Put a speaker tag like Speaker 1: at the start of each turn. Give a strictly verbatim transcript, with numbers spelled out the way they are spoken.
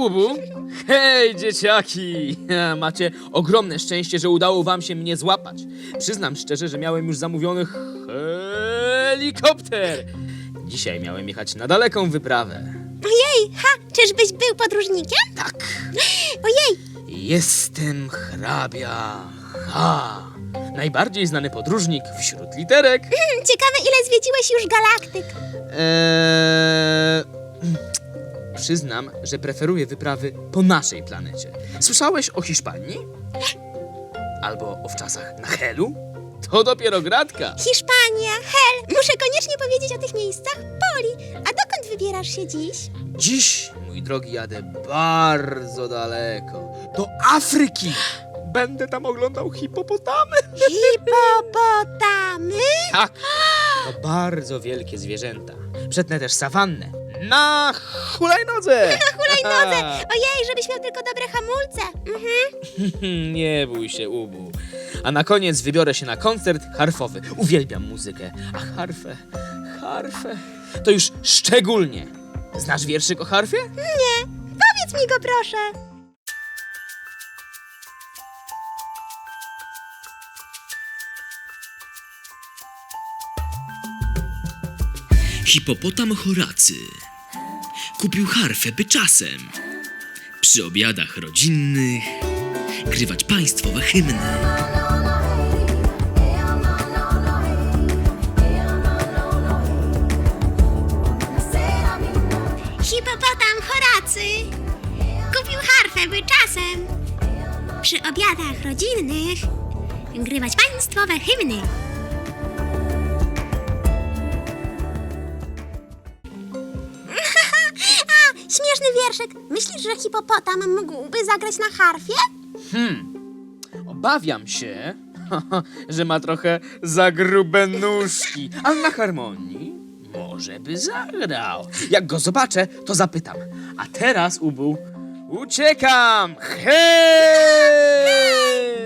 Speaker 1: Ubu! Hej, dzieciaki! Macie ogromne szczęście, że udało wam się mnie złapać. Przyznam szczerze, że miałem już zamówiony helikopter. Dzisiaj miałem jechać na daleką wyprawę.
Speaker 2: Ojej, ha, czyżbyś był podróżnikiem?
Speaker 1: Tak,
Speaker 2: Ojej,
Speaker 1: jestem hrabia H. Najbardziej znany podróżnik wśród literek.
Speaker 2: ciekawe ile zwiedziłeś już galaktyk.
Speaker 1: Eee... Przyznam, że preferuję wyprawy po naszej planecie. Słyszałeś o Hiszpanii? Albo o wczasach na Helu? To dopiero gratka.
Speaker 2: Hiszpania, Hel, muszę koniecznie powiedzieć o tych miejscach. Poli, a dokąd wybierasz się dziś?
Speaker 1: Dziś, mój drogi, jadę bardzo daleko. Do Afryki. Będę tam oglądał hipopotamy.
Speaker 2: Hipopotamy?
Speaker 1: Tak, to bardzo wielkie zwierzęta. Przetnę też sawannę. Na hulajnodze!
Speaker 2: Na hulajnodze! Ojej, żebyś miał tylko dobre hamulce. Mhm.
Speaker 1: Nie bój się, Ubu. A na koniec wybiorę się na koncert harfowy. Uwielbiam muzykę. A harfę, harfę, to już szczególnie. Znasz wierszyk o harfie?
Speaker 2: Nie, powiedz mi go proszę.
Speaker 3: Hipopotam Horacy kupił harfę, by czasem przy obiadach rodzinnych grywać państwowe hymny.
Speaker 2: Hipopotam Horacy kupił harfę, by czasem przy obiadach rodzinnych grywać państwowe hymny. A, śmieszny wierszyk. Myślisz, że hipopotam mógłby zagrać na harfie?
Speaker 1: Obawiam się, że ma trochę za grube nóżki, ale na harmonii może by zagrał. Jak go zobaczę, to zapytam. A teraz, Ubu, uciekam! Hej!